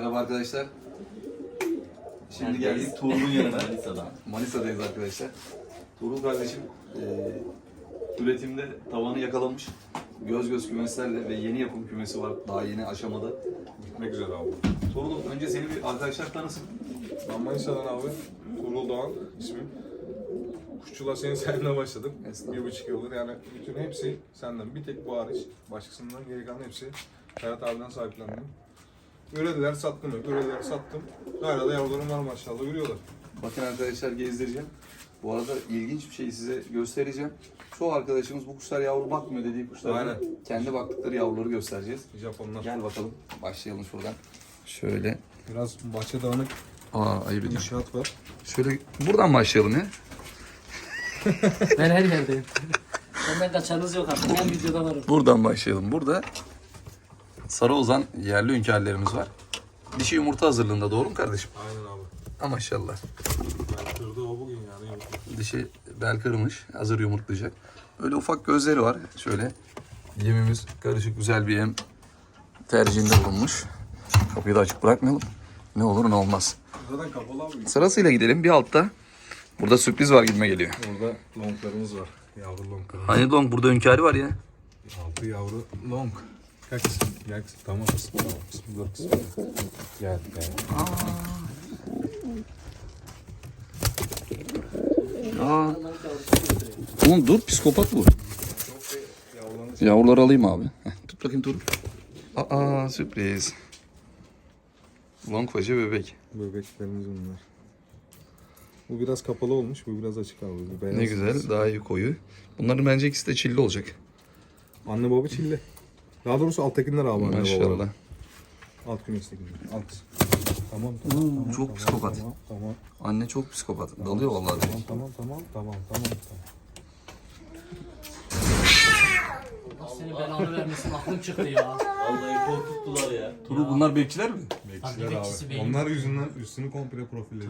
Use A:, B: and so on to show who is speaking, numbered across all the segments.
A: Merhaba arkadaşlar. Şimdi geldik Tuğrul'un yanına. Manisa'dayız arkadaşlar. Tuğrul kardeşim üretimde tavanı yakalamış. Göz kümeslerle ve yeni yapım kümesi var. Daha yeni aşamada.
B: Gitmek üzere abi.
A: Tuğrul önce seni bir arkadaşlar tanısın.
B: Ben Manisa'dan abi. Tuğrul Doğan ismim. Kuşçuluğa senin sayende başladım. 1,5 yıldır yani bütün hepsi senden. Bir tek bu hariç. Başkasından geri kalan hepsi Ferhat abiden sahiplendim. Ürediler sattım. Ürediler sattım. Hala da yavrularım var maşallah. Ürüyorlar.
A: Bakın arkadaşlar gezdireceğim. Bu arada ilginç bir şey size göstereceğim. Çoğu arkadaşımız bu kuşlar yavru bakmıyor dediği kuşlar.
B: Aynen.
A: Kendi baktıkları yavruları göstereceğiz.
B: Japonlar.
A: Gel bakalım. Başlayalım şuradan. Şöyle.
B: Biraz bahçe dağınık
A: Ayıp ediyorum.
B: inşaat var.
A: Şöyle buradan başlayalım ya.
C: Ben her yerdeyim. Benden kaçanınız yok artık. 10 videoda varım.
A: Buradan başlayalım. Burada sarı ozan yerli hünkârlarımız var. Dişi yumurta hazırlığında, doğru mu kardeşim?
B: Aynen abi.
A: Ha, maşallah.
B: Ben kırdı o bugün yani.
A: Dişi bel kırmış, hazır yumurtlayacak. Böyle ufak gözleri var. Şöyle yemimiz karışık güzel bir yem tercihinde bulunmuş. Kapıyı da açık bırakmayalım. Ne olur ne olmaz.
B: Zaten kapalı abi.
A: Sırasıyla gidelim. Bir altta. Burada sürpriz var gibime geliyor.
B: Orada longlarımız var. Yavru longlarımız.
A: Hani long burada hünkârı var ya.
B: 6 yavru long. Kaç kısım? Gel kısım. Tamam kısım. Tamam kısım. Dur kısım. Gel.
A: Aa. Oğlum dur, psikopat bu. Yavruları alayım abi. Heh, tut bakayım dur. Aa, sürpriz. Long paça bebek.
B: Bebeklerimiz bunlar. Bu biraz kapalı olmuş, bu biraz açık abi. Bu beyaz
A: Ne güzel, daha iyi koyu. Bunların bence ikisi de çilli olacak.
B: Anne baba çilli. Daha doğrusu alttakiler abi anne
A: Maşallah.
B: babalar. Alt kümestekiler. Alt. Tamam.
A: Çok psikopat.
B: Tamam.
A: Anne çok psikopat. Dalıyor vallahi.
B: Tamam.
C: Allah senin belanı vermesin. Aklım çıktı ya.
D: Vallahi korkuttular ya.
A: Turu bunlar bekçiler mi?
B: Bekçiler
C: bekçisi
B: abi.
C: benim.
B: Onlar yüzünden üstünü komple profilledi.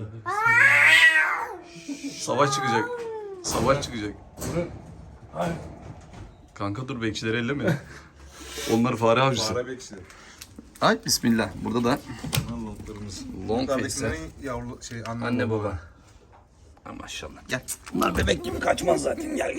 A: Savaş çıkacak. Savaş çıkacak. Kanka dur, bekçileri elleme. Onlar fare avcısı.
B: Fare bekçiler.
A: Ay bismillah. Burada da
B: Bunlar longlarımız.
A: long face'ler.
B: Yukarıdakilerin yavru
A: Anne baba. Ha, maşallah. Gel. Bunlar bebek gibi kaçmaz zaten. Gel.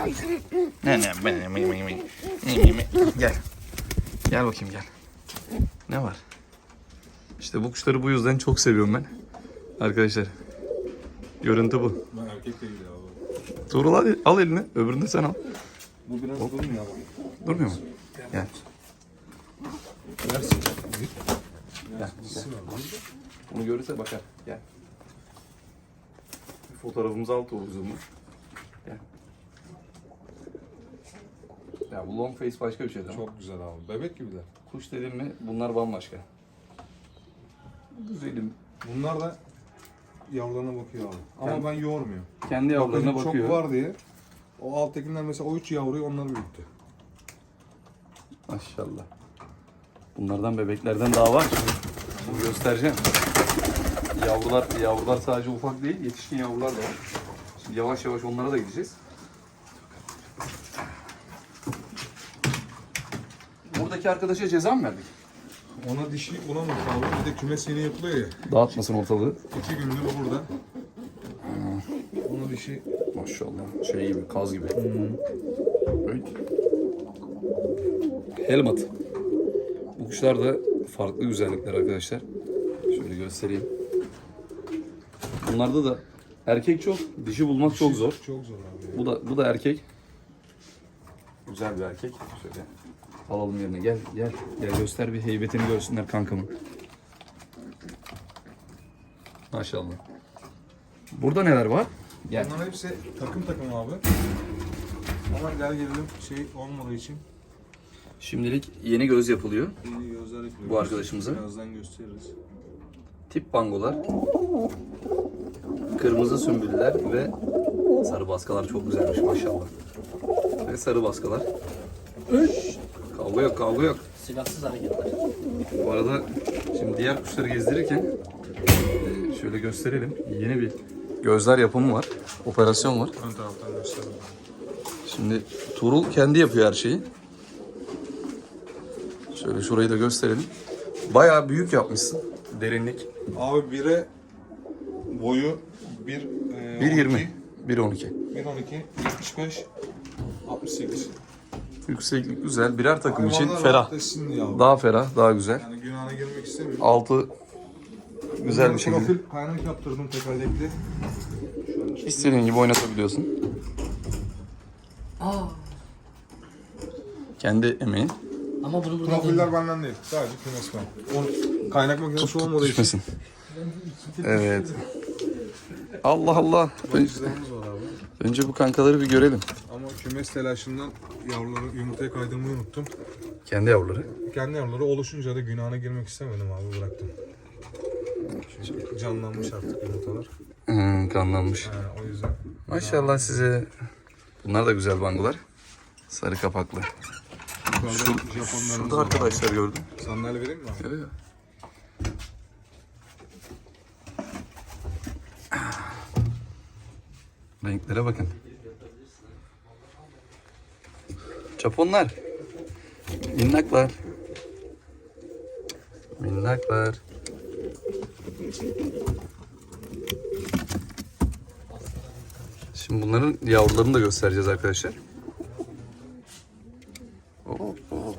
A: Gel. Gel bakayım gel. Ne var? İşte bu kuşları bu yüzden çok seviyorum ben. Arkadaşlar. Görüntü bu.
B: Ben erkek de gidiyor abi.
A: Tuğrul hadi al elini. Öbürünü de sen al.
B: Bu biraz durmuyor abi.
A: Durmuyor mu? Gel.
B: Versin.
A: Gel. Bunu görürse bakar. Gel. Bir fotoğrafımızı al Tuğrul'cumla. Gel. Ya bu long face başka bir şey değil mi?
B: Çok güzel abi. Bebek gibiler.
A: Kuş dedim mi bunlar bambaşka. Güzelim.
B: Bunlar da yavrularına bakıyor abi. Ama ben yormuyor.
A: Kendi yavrularına
B: Bakın
A: bakıyor.
B: çok var diye. O alttakiler mesela o 3 yavruyu onlar büyüttü.
A: Maşallah. Bunlardan bebeklerden daha var. Bunu göstereceğim. Yavrular sadece ufak değil, yetişkin yavrular da var. Şimdi yavaş yavaş onlara da gideceğiz. Buradaki arkadaşa ceza mı verdik?
B: Ona dişi bulamadık abi. Bir de kümes yeni yapılıyor ya.
A: Dağıtmasın ortalığı.
B: 2 gündür o burada. Ona dişi
A: Maşallah. Şey gibi, kaz gibi. Evet. Helmut. Bu kuşlar da farklı güzellikler arkadaşlar. Şöyle göstereyim. Bunlarda da erkek çok, dişi bulmak çok zor.
B: çok zor abi.
A: Bu da erkek. Güzel bir erkek. Şöyle alalım yerine. Gel göster, bir heybetini görsünler kankamın. Maşallah. Burada neler var? Gel.
B: Bunların hepsi takım abi. Ama gel gelelim şey olmadığı için
A: Şimdilik yeni göz yapılıyor.
B: yeni gözler yapıyoruz.
A: Bu arkadaşımıza.
B: Birazdan gösteririz.
A: Tip bangolar. Kırmızı sümbüller ve sarı baskalar çok güzelmiş maşallah. Ve sarı baskalar. Kavga yok.
C: Silahsız hareketler.
A: Bu arada şimdi diğer kuşları gezdirirken şöyle gösterelim. Yeni bir gözler yapımı var. Operasyon var.
B: Ön taraftan gösterelim.
A: Şimdi Tuğrul kendi yapıyor her şeyi. Şöyle şurayı da gösterelim. Bayağı büyük yapmışsın. derinlik.
B: Abi bire boyu
A: 1.20, 1.12.
B: 1.12, 75, 68.
A: Yükseklik güzel. Birer takım için
B: Hayvanlar
A: ferah.
B: rahatlasın diye abi.
A: Daha ferah, daha güzel.
B: Yani günahına girmek istemiyorum.
A: Altı güzel bir şekilde.
B: Profil kaynak yaptırdım tekerlekli.
A: İstediğin gibi oynatabiliyorsun.
C: Aa.
A: Kendi emeğin.
C: Ama bunu burada
B: Profiller benden değil. Sadece kümes ben. Onun kaynak makinesi olmadığı için.
A: Düşmesin. Evet. Allah Allah.
B: Bakıcılarımız var abi.
A: Önce bu kankaları bir görelim.
B: Ama kümes telaşından yavruları yumurtaya kaydırmayı unuttum.
A: Kendi yavruları.
B: Kendi yavruları oluşunca da günahına girmek istemedim abi, bıraktım. Çünkü canlanmış artık yumurtalar.
A: Kanlanmış.
B: O yüzden.
A: Maşallah size. Bunlar da güzel bangolar. Sarı kapaklı.
B: Yukarıda Japonlarımız
A: Şurada
B: var.
A: arkadaşlar gördüm.
B: Sandalye vereyim mi abi?
A: Evet. Renklere bakın. Japonlar. Minnaklar. Minnaklar. Şimdi bunların yavrularını da göstereceğiz arkadaşlar. Oh, oh.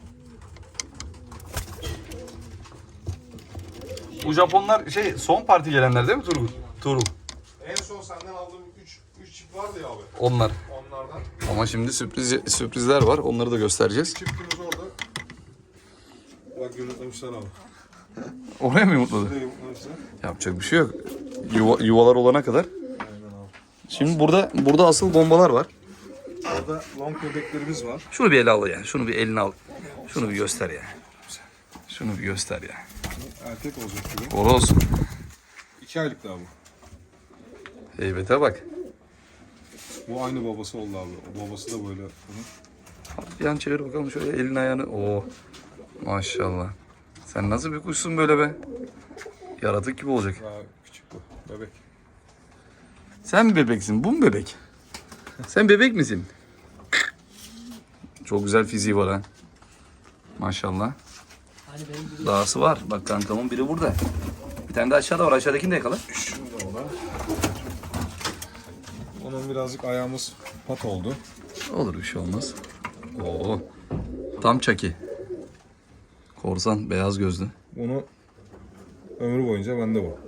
A: Bu Japonlar son parti gelenler değil mi Tuğrul?
B: En son senden aldığım 3 çift vardı ya abi.
A: Onlar.
B: Onlardan.
A: Ama şimdi sürprizler var. Onları da göstereceğiz.
B: Çiftimiz orada. Bak yumurtlamışlar abi.
A: Oraya mı yumurtladı?
B: Buraya yumurtlamışlar.
A: Yapacak bir şey yok. Yuvalar olana kadar.
B: Aynen abi.
A: Şimdi burada asıl bombalar var.
B: Orada long bebeklerimiz var.
A: Şunu bir ele al ya. Şunu bir eline al. Şunu bir göster ya. Şunu bir göster ya.
B: Erkek olacak gibi.
A: Horoz.
B: 2 aylık daha bu.
A: Heybete bak.
B: Bu aynı babası oldu abi. O babası da böyle. Bunun.
A: Bir yan çevir bakalım şöyle elini ayağını. Oo. Maşallah. Sen nasıl bir kuşsun böyle be? Yaratık gibi olacak.
B: Daha küçük bu. Bebek.
A: Sen mi bebeksin? Bu mu bebek? Sen bebek misin? Çok güzel fiziği var ha. Maşallah.
C: Hani benim gibi
A: Dahası var. Bak kankamın biri burada. Bir tane de aşağıda var. Aşağıdakini de yakala.
B: Şurada o da. Onun birazcık ayağımız pat oldu.
A: Olur bir şey olmaz. Oo. Tam çaki. Korsan beyaz gözlü.
B: Bunu ömrü boyunca bende bu.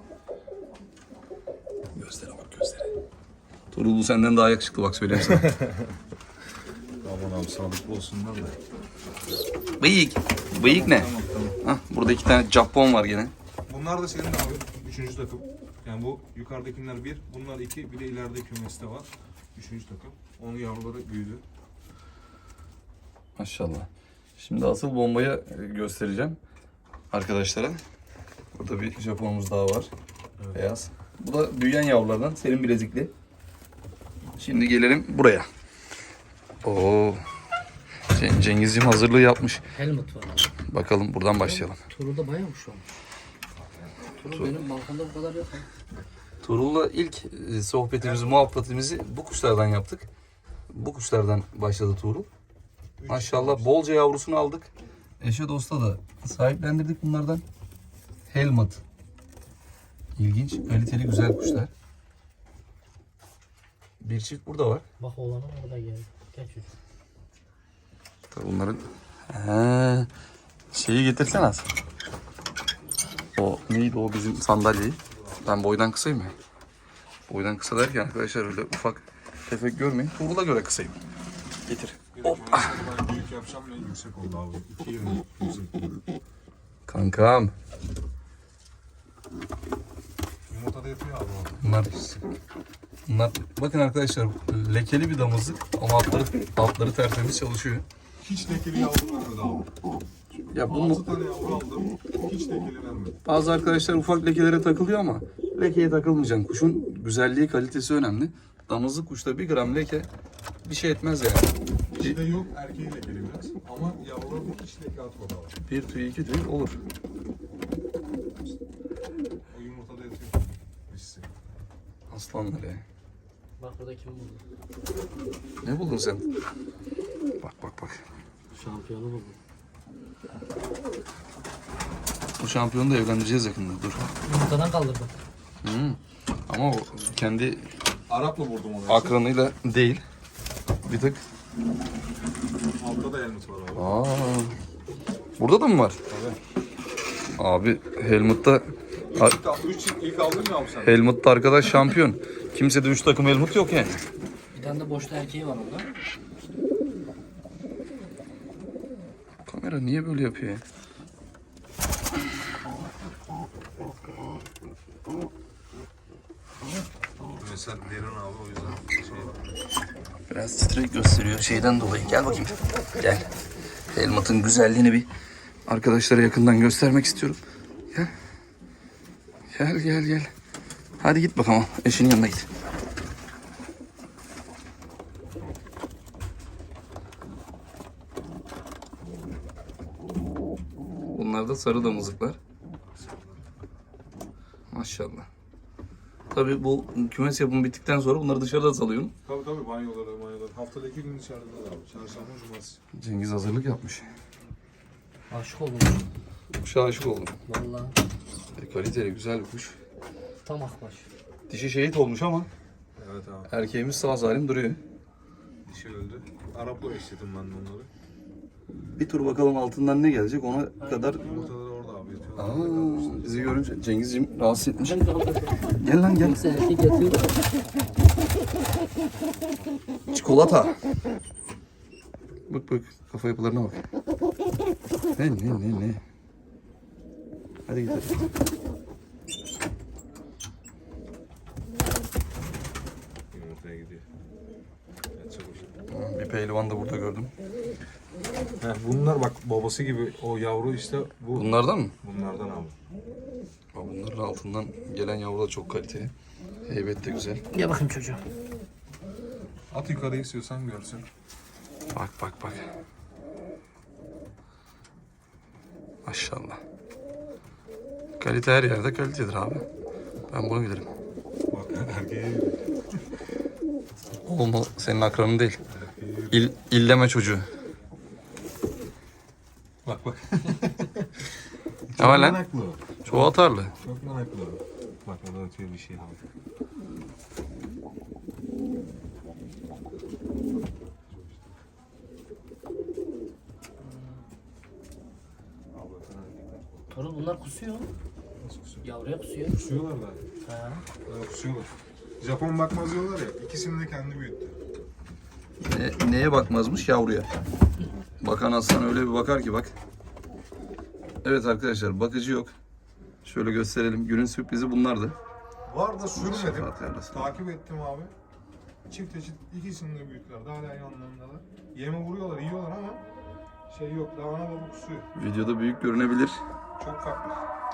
A: Gözlere bak gözlere. Tuğrul bu senden daha yakışıklı bak söyleyeyim sana.
B: Aman abi sağlıklı olsunlar da.
A: Bıyık. Bıyık ne?
B: Tamam tamam.
A: Hah, burada 2 tane Japon var gene.
B: Bunlar da senin abi. 3. takım. Yani bu yukarıdakiler 1, bunlar 2, bir de ileride kümeste var. 3. takım. Onun yavruları büyüdü.
A: Maşallah. Şimdi asıl bombayı göstereceğim arkadaşlara. Burada bir Japonumuz daha var.
B: Evet.
A: Beyaz. Bu da büyüyen yavrulardan. Serin bilezikli. Şimdi gelelim buraya. Oo. Cengizciğim hazırlığı yapmış.
C: helmet var abi.
A: Bakalım buradan başlayalım.
C: Turulda bayağı kuş olmuş. Turul benim balkonda bu kadar yok.
A: Tuğrul'la ilk sohbetimizi, muhabbetimizi bu kuşlardan yaptık. Bu kuşlardan başladı Tuğrul. Maşallah bolca yavrusunu aldık. Eşe dosta da sahiplendirdik bunlardan. Helmut. İlginç, kaliteli güzel kuşlar. Bir çift burada var.
C: Bak oğlanım orada geldi. Gel çocuk.
A: Tabii bunların şeyi getirsen az. O neydi o bizim sandalyeyi? Ben boydan kısayım ya. Boydan kısa derken arkadaşlar öyle ufak tefek görmeyin. Tuğrul'a göre kısayım. Getir. Hop.
B: Ben büyük yapacağım ne yüksek oldu abi. 2.20 yüksek oldu.
A: Kankam.
B: Yumurta da yapıyor abi o.
A: Bunlar bakın arkadaşlar lekeli bir damızlık ama altları tertemiz çalışıyor.
B: Hiç lekeli yavru vermedi abi.
A: Ya
B: 6 tane yavru aldım. Hiç lekeli vermedi.
A: bazı arkadaşlar ufak lekelere takılıyor ama lekeye takılmayacaksın. Kuşun güzelliği, kalitesi önemli. Damızlık kuşta 1 gram leke bir şey etmez yani.
B: İçinde yok, erkeği lekeli biraz. Ama yavru hiç leke atmadı abi.
A: 1 tüy 2 tüy olur.
B: O yumurtada yatıyor. Dişisi.
A: Aslanlar ya.
C: Bak burada kim buldu?
A: Ne buldun sen? Bak bak bak.
C: Şampiyonu buldu.
A: Bu şampiyonu da evlendireceğiz yakında. Dur.
C: Yumurtadan kaldırdım.
A: Ama o kendi
B: Arap'la vurdum onu.
A: akranıyla değil. Bir tık.
B: Altta da Helmut var abi.
A: Aa. Burada da mı var? Abi Helmut'ta
B: İlk aldın mı abi sen?
A: Helmut'ta arkadaş şampiyon. Kimsede 3 takım Helmut yok yani.
C: Bir tane de boşta erkeği var orada.
A: Kamera niye böyle yapıyor ya?
B: Mesela derin abi o yüzden şey
A: Biraz titrek gösteriyor şeyden dolayı. Gel bakayım. Gel. Helmut'un güzelliğini bir arkadaşlara yakından göstermek istiyorum. Gel. Gel gel gel. Hadi git bakalım. Eşinin yanına git. Bunlar da sarı damızlıklar. Maşallah. Tabii bu kümes yapımı bittikten sonra bunları dışarıda salıyorsun.
B: Tabii banyoları. Haftada 2 gün dışarıda da abi. Çarşamba, cumartesi.
A: Cengiz hazırlık yapmış.
C: Aşık oldum.
A: Kuşa aşık oldum.
C: Vallahi
A: Kaliteli güzel bir kuş.
C: tam akbaş.
A: Dişi şehit olmuş ama
B: Evet abi.
A: erkeğimiz sağ salim duruyor.
B: Dişi öldü. Arap'la eşledim ben de onları.
A: Bir tur bakalım altından ne gelecek ona kadar.
B: Yumurtaları orada abi yatıyorlar.
A: Bizi görünce Cengizciğim rahatsız etmiş.
C: Ben de orada
A: Gel lan gel.
C: kimse erkek yatıyor.
A: Çikolata. Bak bak kafa yapılarına bak. Ne. Hadi gidelim.
B: Yumurtaya gidiyor. Yatacak o şimdi.
A: Bir pehlivan da burada gördüm.
B: Bunlar bak babası gibi o yavru işte bu.
A: Bunlardan mı?
B: Bunlardan abi.
A: Bunların altından gelen yavru da çok kaliteli. Heybet de güzel.
C: Gel bakayım çocuğum.
B: At yukarı istiyorsan görsün.
A: Bak. Maşallah. Kalite her yerde kalitedir abi. Ben bunu bilirim.
B: Bak erkeğe
A: Oğlum o senin akranın değil. İlleme çocuğu.
B: bak.
A: Ne var lan?
B: Manaklı o.
A: Çoğu atarlı.
B: Çok manaklı o. Bak orada atıyor bir şey abi.
C: Torun bunlar kusuyor.
B: Nasıl kusuyor?
C: Yavruya kusuyor.
B: Kusuyorlar da.
C: Ha.
B: Kusuyorlar. Japon bakmaz diyorlar ya. İkisini de kendi büyüttü.
A: Neye bakmazmış? Yavruya. Bakan aslan öyle bir bakar ki bak. Evet arkadaşlar bakıcı yok. Şöyle gösterelim. Günün sürprizi bunlardı.
B: Var da sürmedim.
A: Şefaat yarlasın.
B: Takip ettim abi. Çift eşit ikisini de büyüttüler. Daha hala yanlarındalar. Yeme vuruyorlar, yiyorlar ama şey yok. Daha ana baba kusuyor.
A: Videoda büyük görünebilir.
B: Çok farklı.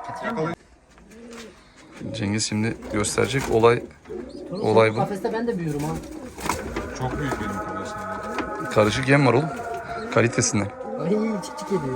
A: Cengiz şimdi gösterecek olay
C: Torun,
A: Olay bu.
C: Kafeste ben de büyüyorum ha.
B: Çok büyük benim kardeşlerim.
A: karışık yem var oğlum. Kalitesinden.
C: Ay çık geliyor.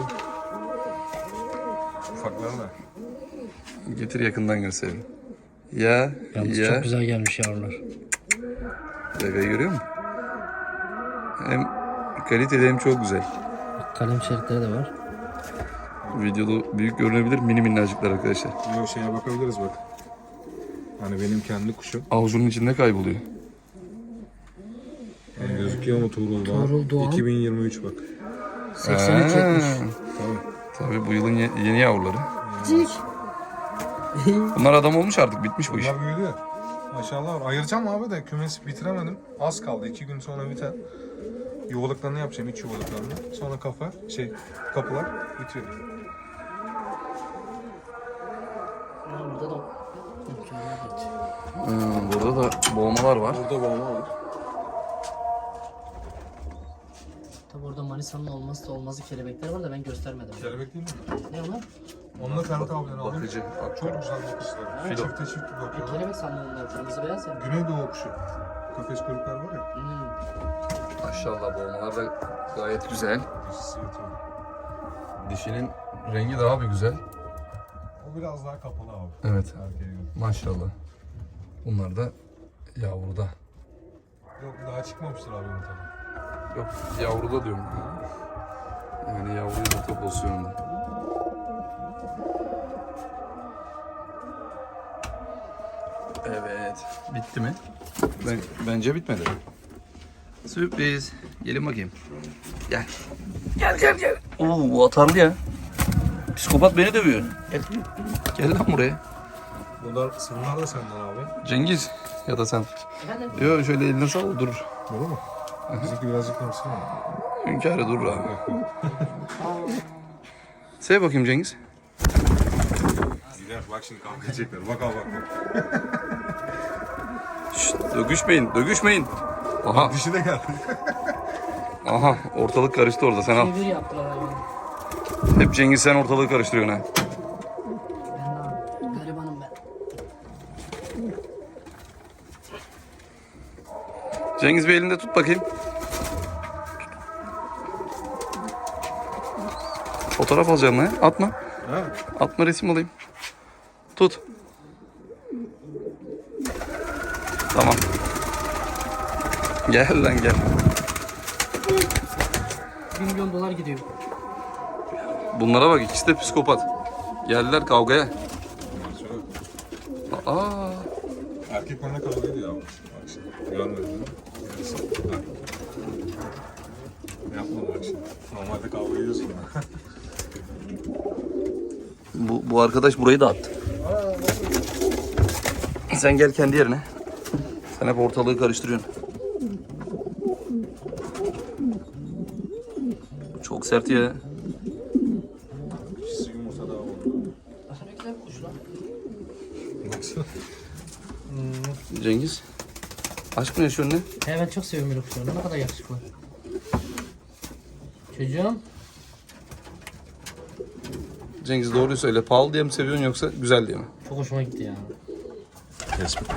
B: Ufakları da.
A: Getir yakından gösterelim. Ya
C: Çok güzel gelmiş yavrular.
A: Gagayı görüyor musun? Hem kaliteli hem çok güzel.
C: Kalem şeritleri de var.
A: Videoda büyük görünebilir mini minnacıklar arkadaşlar.
B: Yok şeye bakabiliriz bak. Hani benim kendi kuşum.
A: Avucunun içinde kayboluyor.
B: Yani gözüküyor mu Tuğrul Doğan?
C: Tuğrul Doğan.
B: 2023 bak.
C: 83 70.
B: Tabii.
A: Tabii bu yılın yeni yavruları.
C: Cik.
A: Bunlar adam olmuş artık bitmiş bu iş.
B: Bunlar büyüdü. Maşallah var. Ayıracağım abi de kümesi bitiremedim. Az kaldı. 2 gün sonra biter. Yuvalıklarını yapacağım. İç yuvalıklarını. Sonra kapılar bitiyor.
C: Burada da
A: Burada da boğmalar var.
B: Burada boğma var.
C: tabi orada Manisa'nın olmazsa olmazı kelebekler var da ben göstermedim.
B: Kelebek değil mi?
C: Ne onlar?
B: Onunla Ferhat abileri aldım.
A: Bakıcı.
B: Çok güzel bakışlar.
A: Filo.
B: Çifte çift bakıyorlar.
C: Kelebek sandım onlar. Kırmızı beyaz ya.
B: Güneydoğu kuşu. Kafes kuyruklar var ya.
A: Maşallah boğmalar da gayet güzel.
B: Dişisi yatıyor.
A: Dişinin rengi daha bir güzel.
B: O biraz daha kapalı abi.
A: Evet.
B: Erkeğe göre.
A: Maşallah. Bunlar da yavruda.
B: Yok daha çıkmamıştır abi yumurtadan.
A: Yok yavruda diyorum. Yani yavru yumurta pozisyonunda. Evet. Bitti mi? Bence bitmedi. Sürpriz. Gelin bakayım. Gel. Gel. Oo, bu atarlı ya. Psikopat beni dövüyor. Gel. Gel lan buraya.
B: Bunlar da senden abi.
A: Cengiz ya da sen.
C: Efendim?
A: Yok şöyle eline sal durur.
B: Olur mu? Bizimki birazcık konuşsun ama.
A: Hünkârı durur abi. Sev bakayım Cengiz.
B: Gider bak şimdi kavga edecekler. Bak abi bak.
A: Şşt, dögüşmeyin. Aha,
B: Dişi de geldi.
A: aha ortalık karıştı orada sen al.
C: Çevir yaptılar hayvanı.
A: Hep Cengiz sen ortalığı karıştırıyorsun ha.
C: Ben abi. Garibanım ben.
A: Cengiz bir elinde tut bakayım. Fotoğraf alacağım lan. Atma.
B: Ha?
A: Atma resim alayım. Tut. Tamam. Gel lan gel.
C: $1 milyon gidiyor.
A: Bunlara bak ikisi de psikopat. Geldiler kavgaya. Aa,
B: Erkek bana kavga ediyor abi. Bak şimdi. Görmedin mi? Bak. Yapma bak şimdi. Normalde kavga ediyorsun.
A: bu arkadaş burayı da attı. Sen gel kendi yerine. Sen hep ortalığı karıştırıyorsun. Çok sert ya.
B: İkisi yumurta daha oldu.
C: Aslında ne güzel bir kuş lan.
B: Baksana.
A: Cengiz. Aşk mı yaşıyorsun ne?
C: He ben çok seviyorum böyle kuşları. Ne kadar yakışıklı. Çocuğum.
A: Cengiz doğruyu söyle. Pahalı diye mi seviyorsun yoksa güzel diye mi?
C: Çok hoşuma gitti ya.
B: Tespit.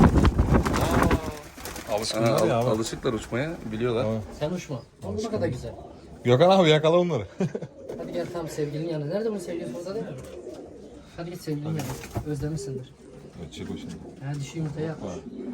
A: Ha,
B: Alışkınlar ya abi.
A: alışıklar uçmaya biliyorlar.
B: Tamam.
C: Sen uçma. Ama bu ne kadar güzel.
B: Gökhan abi yakala onları.
C: Hadi gel tam sevgilinin yanına. Nerede bunun sevgilisi orada değil mi? Hadi git sevgilinin yanına. Özlemişsindir.
B: Evet, çek o şimdi.
C: Ha dişi yumurtayı yap.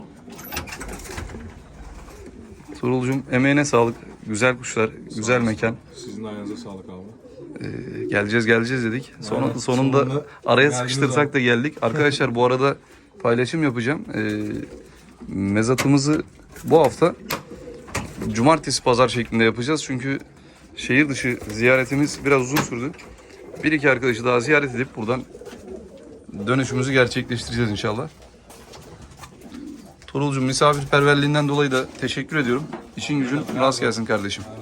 A: Tuğrul'cum emeğine sağlık. Güzel kuşlar, güzel mekan.
B: Sizin de ayağınıza sağlık abi.
A: Geleceğiz dedik.
B: Aynen,
A: Sonunda
B: sonunda
A: araya
B: geldiniz
A: sıkıştırsak
B: abi.
A: da geldik. Arkadaşlar bu arada paylaşım yapacağım. Mezatımızı bu hafta cumartesi pazar şeklinde yapacağız. Çünkü şehir dışı ziyaretimiz biraz uzun sürdü. Bir iki arkadaşı daha ziyaret edip buradan dönüşümüzü gerçekleştireceğiz inşallah. Tuğrul'cum misafirperverliğinden dolayı da teşekkür ediyorum. İşin gücün rast gelsin kardeşim.